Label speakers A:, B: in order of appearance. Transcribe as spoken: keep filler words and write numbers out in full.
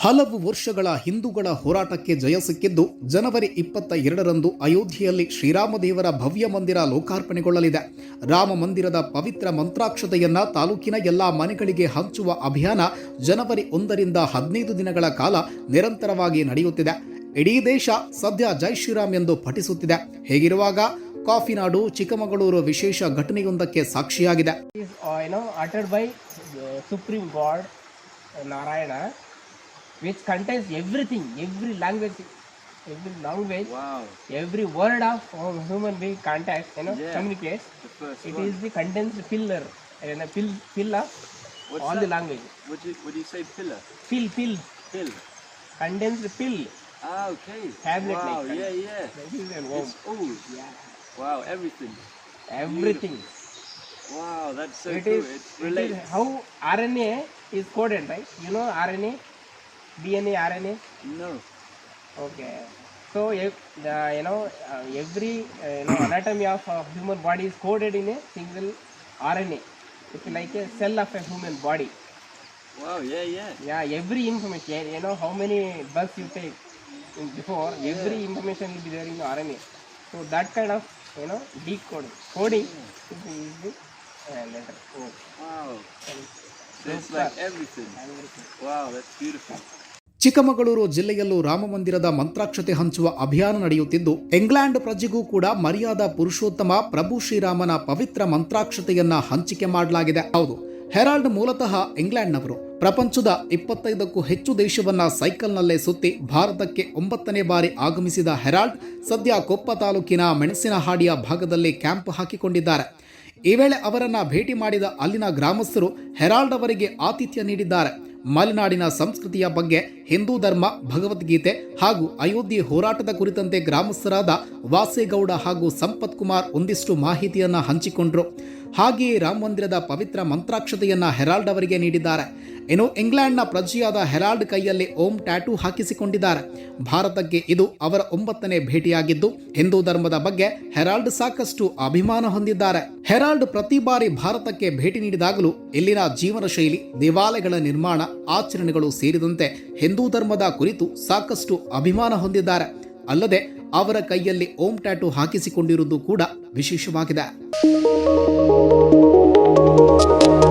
A: ಹಲವು ವರ್ಷಗಳ ಹಿಂದೂಗಳ ಹೋರಾಟಕ್ಕೆ ಜಯ ಸಿಕ್ಕಿದ್ದು ಜನವರಿ ಇಪ್ಪತ್ತ ಎರಡರಂದು ಅಯೋಧ್ಯೆಯಲ್ಲಿ ಶ್ರೀರಾಮದೇವರ ಭವ್ಯ ಮಂದಿರ ಲೋಕಾರ್ಪಣೆಗೊಳ್ಳಲಿದೆ. ರಾಮ ಮಂದಿರದ ಪವಿತ್ರ ಮಂತ್ರಾಕ್ಷತೆಯನ್ನ ತಾಲೂಕಿನ ಎಲ್ಲಾ ಮನೆಗಳಿಗೆ ಹಂಚುವ ಅಭಿಯಾನ ಜನವರಿ ಒಂದರಿಂದ ಹದಿನೈದು ದಿನಗಳ ಕಾಲ ನಿರಂತರವಾಗಿ ನಡೆಯುತ್ತಿದೆ. ಇಡೀ ದೇಶ ಸದ್ಯ ಜೈ ಶ್ರೀರಾಮ್ ಎಂದು ಪಠಿಸುತ್ತಿದೆ. ಹೇಗಿರುವಾಗ ಕಾಫಿನಾಡು ಚಿಕ್ಕಮಗಳೂರು ವಿಶೇಷ ಘಟನೆಯೊಂದಕ್ಕೆ ಸಾಕ್ಷಿಯಾಗಿದೆ.
B: Which contains everything, every language, every language, wow. every word of human being contact, you know, yeah. communicates. It one. is the condensed pillar, and a pill, pillar, What's all that? the language.
C: What do you, what do you say, pillar?
B: Pill, pill,
C: pill.
B: Condensed pill.
C: Ah, okay.
B: Tablet
C: wow,
B: like.
C: yeah, yeah.
B: That is an
C: it's all.
B: Yeah.
C: Wow, everything.
B: Everything.
C: Beautiful. Wow, that's so
B: it
C: cool.
B: Is,
C: it's related.
B: It is how R N A is coded, right? You know R N A. D N A, R N A?
C: No.
B: Okay. So, if, uh, you know, uh, every uh, you know, anatomy of a human body is coded in a single R N A. It's like a cell of a human body.
C: Wow, yeah, yeah.
B: Yeah, every information, you know, how many bugs you take in before, yeah. every information will be there in the R N A. So, that kind of, you know, decoding, coding yeah. is the uh, letter O.
C: Wow. So it's like everything.
B: everything.
C: Wow, that's beautiful.
A: Chikkamagaluru ಜಿಲ್ಲೆಯಲ್ಲೂ ರಾಮ ಮಂದಿರದ ಮಂತ್ರಾಕ್ಷತೆ ಹಂಚುವ ಅಭಿಯಾನ ನಡೆಯುತ್ತಿದ್ದು, England ಪ್ರಜೆಗೂ ಕೂಡ ಮರ್ಯಾದ ಪುರುಷೋತ್ತಮ ಪ್ರಭು ಶ್ರೀರಾಮನ ಪವಿತ್ರ ಮಂತ್ರಾಕ್ಷತೆಯನ್ನ ಹಂಚಿಕೆ ಮಾಡಲಾಗಿದೆ. ಹೌದು, ಹೆರಾಲ್ಡ್ ಮೂಲತಃ ಇಂಗ್ಲೆಂಡ್ನವರು. ಪ್ರಪಂಚದ ಇಪ್ಪತ್ತೈದಕ್ಕೂ ಹೆಚ್ಚು ದೇಶವನ್ನ ಸೈಕಲ್ನಲ್ಲೇ ಸುತ್ತಿ ಭಾರತಕ್ಕೆ ಒಂಬತ್ತನೇ ಬಾರಿ ಆಗಮಿಸಿದ ಹೆರಾಲ್ಡ್ ಸದ್ಯ ಕೊಪ್ಪ ತಾಲೂಕಿನ ಮೆಣಸಿನಹಾಡಿಯ ಭಾಗದಲ್ಲಿ ಕ್ಯಾಂಪ್ ಹಾಕಿಕೊಂಡಿದ್ದಾರೆ. ಈ ವೇಳೆ ಅವರನ್ನ ಭೇಟಿ ಮಾಡಿದ ಅಲ್ಲಿನ ಗ್ರಾಮಸ್ಥರು ಹೆರಾಲ್ಡ್ ಅವರಿಗೆ ಆತಿಥ್ಯ ನೀಡಿದ್ದಾರೆ. ಮಲೆನಾಡಿನ ಸಂಸ್ಕೃತಿಯ ಬಗ್ಗೆ, ಹಿಂದೂ ಧರ್ಮ, ಭಗವದ್ಗೀತೆ ಹಾಗೂ ಅಯೋಧ್ಯೆ ಹೋರಾಟದ ಕುರಿತಂತೆ ಗ್ರಾಮಸ್ಥರಾದ ವಾಸೇಗೌಡ ಹಾಗೂ ಸಂಪತ್ ಕುಮಾರ್ ಒಂದಿಷ್ಟು ಮಾಹಿತಿಯನ್ನ ಹಂಚಿಕೊಂಡ್ರು. ಹಾಗೆಯೇ ರಾಮ ಮಂದಿರದ ಪವಿತ್ರ ಮಂತ್ರಾಕ್ಷತೆಯನ್ನ ಹೆರಾಲ್ಡ್ ಅವರಿಗೆ ನೀಡಿದ್ದಾರೆ. ಇನ್ನು ಇಂಗ್ಲೆಂಡ್ನ ಪ್ರಜೆಯಾದ ಹೆರಾಲ್ಡ್ ಕೈಯಲ್ಲಿ ಓಂ ಟ್ಯಾಟೂ ಹಾಕಿಸಿಕೊಂಡಿದ್ದಾರೆ. ಭಾರತಕ್ಕೆ ಇದು ಅವರ ಒಂಬತ್ತನೇ ಭೇಟಿಯಾಗಿದ್ದು, ಹಿಂದೂ ಧರ್ಮದ ಬಗ್ಗೆ ಹೆರಾಲ್ಡ್ ಸಾಕಷ್ಟು ಅಭಿಮಾನ ಹೊಂದಿದ್ದಾರೆ. ಹೆರಾಲ್ಡ್ ಪ್ರತಿ ಬಾರಿ ಭಾರತಕ್ಕೆ ಭೇಟಿ ನೀಡಿದಾಗಲೂ ಇಲ್ಲಿನ ಜೀವನ ಶೈಲಿ, ದೇವಾಲಯಗಳ ನಿರ್ಮಾಣ, ಆಚರಣೆಗಳು ಸೇರಿದಂತೆ ಹಿಂದೂ ಧರ್ಮದ ಕುರಿತು ಸಾಕಷ್ಟು ಅಭಿಮಾನ ಹೊಂದಿದ್ದಾರೆ. ಅಲ್ಲದೆ ಅವರ ಕೈಯಲ್ಲಿ ಓಂ ಟ್ಯಾಟೂ ಹಾಕಿಸಿಕೊಂಡಿರುವುದು ಕೂಡ ವಿಶೇಷವಾಗಿದೆ.